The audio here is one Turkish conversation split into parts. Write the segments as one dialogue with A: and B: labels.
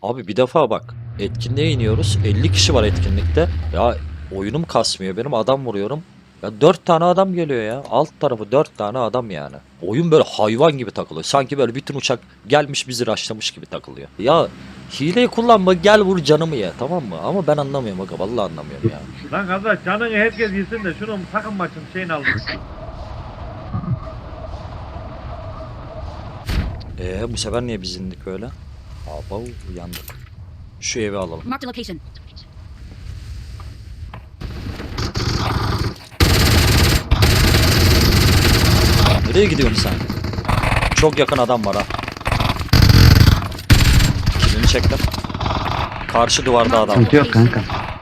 A: Abi bir defa bak. Etkinliğe iniyoruz. 50 kişi var etkinlikte. Ya oyunum kasmıyor benim. Adam vuruyorum. Ya 4 tane adam geliyor ya. Alt tarafı 4 tane adam yani. Oyun böyle hayvan gibi takılıyor. Sanki böyle bütün uçak gelmiş bizi rushlamış gibi takılıyor. Ya hileyi kullanma, gel vur canımı ya, tamam mı? Ama ben anlamıyorum aga, vallahi anlamıyorum ya.
B: Lan kardeş canını herkes yesin de şunun takım maçın şeyini al.
A: Bu sefer niye biz indik öyle? Aba yandık. Şu evi alalım.
C: Marked a location.
A: Nereye gidiyorsun sen? Çok yakın adam var ha. Kilini çektim. Karşı duvarda adam.
D: Sıkıntı yok kanka.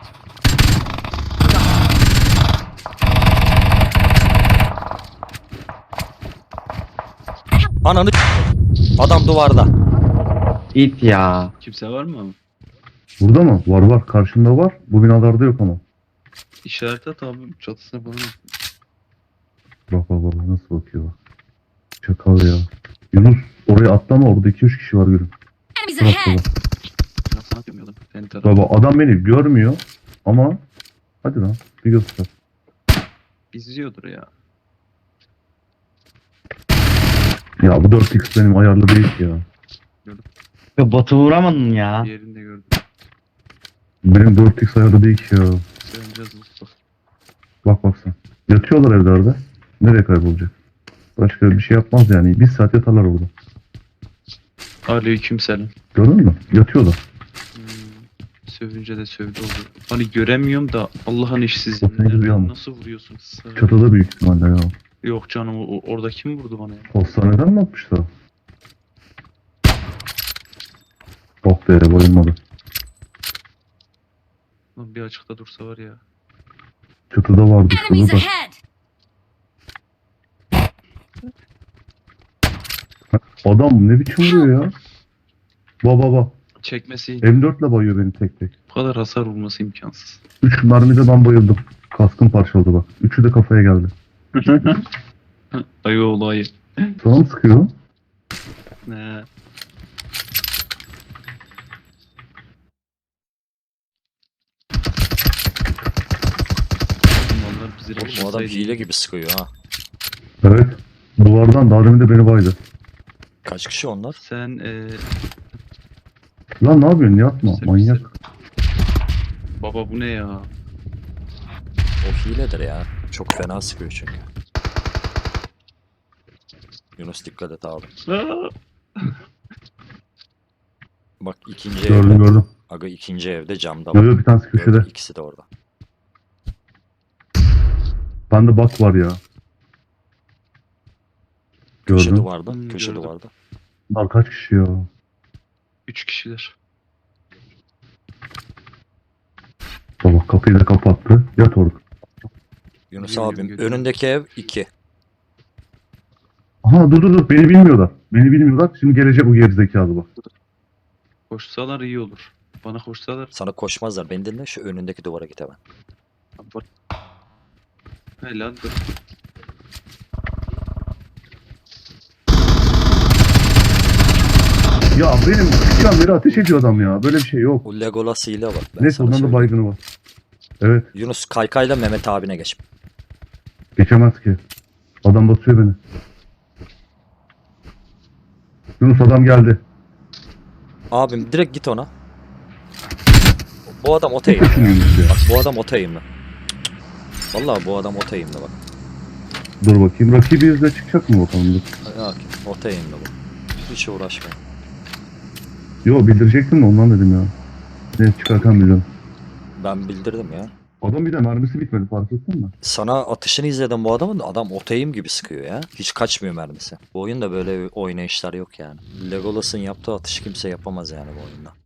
A: Ananı adam duvarda.
D: İt ya.
E: Kimse var mı?
F: Burada mı? Var var. Karşımda var. Bu binalarda yok ama.
E: İşaret at abi çatısına falan.
F: Bak bak bak nasıl bakıyor bak. Çakal ya. Yunus oraya atlama, orada 2-3 kişi var gülüm.
C: Enemies
F: Bak
C: ahead!
F: bak.
E: Nasıl atmıyordum? Seni taraf.
F: Baba adam beni görmüyor ama hadi lan bir göster.
E: İzliyordur ya.
F: Ya bu 4x benim ayarlı değil ki ya.
D: Ya Batı vuramadın ya.
E: Bir yerinde gördüm.
F: Benim 4x ayarlı değil ki ya.
E: Sığınacağız Mustafa.
F: Bak bak sen. Yatıyorlar evlerde. Nereye kaybolacak? Başka bir şey yapmaz yani. Bir saat yatarlar orada.
E: Aleykümselam.
F: Gördün mü? Yatıyorlar.
E: Sövünce de sövdü oldu. Hani göremiyorum da Allah'ın işsiz.
F: Bakın görüyor musun?
E: Nasıl vuruyorsun?
F: Çatıda büyük ihtimalle ya.
E: Yok canım orada kim vurdu bana ya?
F: Hastaneden mi atmışlar? Oh be bayılmadı.
E: Lan bir açıkta dursa var ya.
F: Çatıda vardı
C: Enemies
F: şurada da.
C: ahead!
F: Adam ne biçim vuruyor ya? Baba.
E: Çekmesi
F: M4 ile bayıyor beni tek tek.
E: bu kadar hasar vurması imkansız.
F: 3 mermide ben bayıldım. Kaskım parçaladı bak. 3'ü de kafaya geldi.
E: Ayı oğlu ayı.
F: Sana mı sıkıyor?
E: Ne? Onlar bizi
A: Oğlum bu adam hile gibi sıkıyor ha.
F: Evet. Duvardan daha demin de beni baydı.
A: Kaç kişi onlar?
E: Sen
F: Lan ne yapıyorsun? Yapma. Manyak.
E: Baba bu ne ya?
A: O hiledir ya. Çok fena sıkıyor çünkü. Yunus dikkat et abi. Bak ikinci
F: Gördüm
A: evde.
F: gördüm.
A: Aga ikinci evde camda
F: Yok
A: bak.
F: yok bir tanesi köşede.
A: Gördüm, ikisi de orada.
F: Bende bak var ya.
A: Köşe
F: Gördüm.
A: duvarda. Köşe
E: gördüm.
A: duvarda.
F: Bunlar kaç kişi ya?
E: 3 kişiler.
F: Baba kapıyı da kapattı. Yat orada.
A: Yunus
E: Geliyorum,
A: abim
E: geliyorum.
A: önündeki ev 2.
F: Aha dur. Beni bilmiyorlar. Beni bilmiyorlar. Şimdi gelecek bu gerizekalı bak.
E: Koşsalar iyi olur. Bana koşsalar.
A: Sana koşmazlar. Beni dinle, şu önündeki duvara git hemen.
E: Bak. Helal dur.
F: Ya benim küçükten beri ateş ediyor adam ya. Böyle bir şey yok.
A: Bu Legolas hile var. Ben
F: Neyse
A: sana
F: ondan da
A: söyleyeyim.
F: baygını var. Evet.
A: Yunus kaykayla Mehmet abine geç.
F: Geçemez ki. Adam basıyor beni. Yunus adam geldi.
A: Abim direkt git ona. Bu adam ota eğimli.
F: Kaçın Yunus ya.
A: Bak bu adam ota eğimli. Vallahi bu adam ota eğimli bak.
F: Dur bakayım. Rakibi izle çıkacak mı bakalım? Dur.
A: Bak ota eğimli bu. Hiç uğraşma.
F: Yo bildirecektim de ondan dedim ya. Ne çıkarken biliyorum.
A: Ben bildirdim ya.
F: Adam bir de mermisi bitmedi fark ettin mi?
A: Sana atışını izledim bu adamın, da adam ota eğim gibi sıkıyor ya. Hiç kaçmıyor mermisi. Bu oyunda böyle oynayışlar yok yani. Legolas'ın yaptığı atışı kimse yapamaz yani bu oyunda.